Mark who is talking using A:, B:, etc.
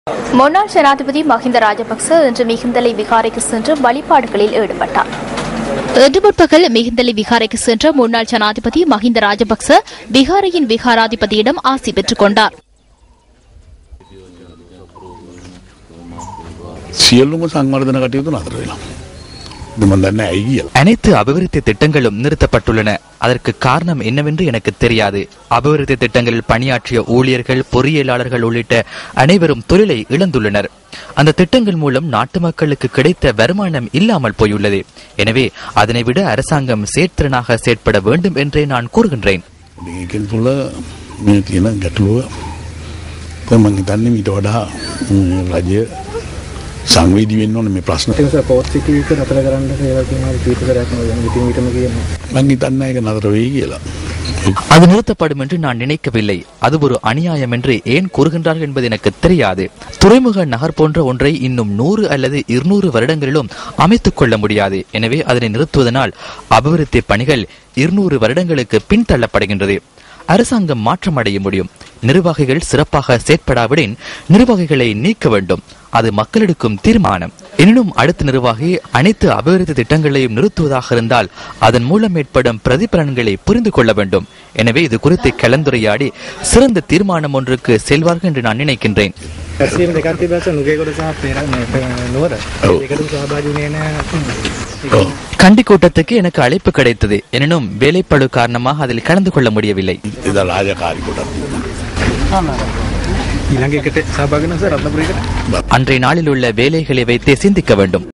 A: முன்னாள் ஜனாதிபதி மஹிந்த ராஜபக்ச இன்று மிகிந்தலை விகாரைக்கு சென்று வழிபாடுகளில் ஈடுபட்டார். இன்று முற்பகல் மிகிந்தலை விகாரைக்கு சென்ற முன்னாள் ஜனாதிபதி மஹிந்த ராஜபக்ச விகாரையின் விகாராதிபதியிடம் ஆசி பெற்றுக் கொண்டார்.
B: அனைத்து அபிவிருத்தி திட்டங்களும் நிறுத்தப்பட்டுள்ளன. அதற்கு காரணம் என்னவென்று எனக்கு தெரியாது. அபிவிருத்தி திட்டங்களில் பணியாற்றிய ஊழியர்கள், பொறியியலாளர்கள் உள்ளிட்ட அனைவரும் தொழிலை இழந்துள்ளனர். அந்த திட்டங்கள் மூலம் நாட்டு மக்களுக்கு கிடைத்த வருமானம் இல்லாமல் போயுள்ளது. எனவே அதனை விட அரசாங்கம் செயற்திறனாக செயற்பட வேண்டும் என்றே நான் கூறுகின்றேன்.
C: සංවේදී වෙන්න ඕනේ මේ ප්‍රශ්න. ඒක පොත් සිටි එක නතර කරන්න කියලා කියනවා කීපතරයක් නෝ විටින් විටම කියනවා. මම හිතන්නේ ඒක නතර වෙයි කියලා.
B: அது நிறுத்தப்படும் என்று நான் நினைக்கவில்லை. அது ஒரு அநியாயம் என்று ஏன் கூறுகின்றார்கள் என்பது எனக்கு தெரியாது. துறைமுக நகர் போன்ற ஒன்றை இன்னும் 100 அல்லது 200 வருடங்களிலும் அமைத்துக் கொள்ள முடியாது. எனவே அதனை நிறுத்துவதனால் அபிவிருத்தி பணிகள் 200 வருடங்களுக்கு பின்தள்ளப்படுகின்றது. அரசாங்கம் மாற்றம் அடைய முடியும். நிர்வாகிகள் சிறப்பாக செயற்படாவிடின் நிர்வாகிகளை நீக்க வேண்டும். அது மக்கள் எடுக்கும் தீர்மானம். எனினும் அடுத்த நிர்வாகி அனைத்து அபிவிருத்தி திட்டங்களையும் நிறுத்துவதாக இருந்தால் அதன் மூலம் ஏற்படும் பிரதிபலன்களை புரிந்து கொள்ள வேண்டும். எனவே இது குறித்து கலந்துரையாடி சிறந்த தீர்மானம் ஒன்றுக்கு செல்வார்கள் என்று நான் நினைக்கின்றேன். கண்டி கூட்டத்துக்கு எனக்கு அழைப்பு கிடைத்தது. எனினும் வேலைப்பளு காரணமாக அதில் கலந்து கொள்ள முடியவில்லை. அன்றைய நாளில் உள்ள வேலைகளை வைத்தே சிந்திக்க வேண்டும்.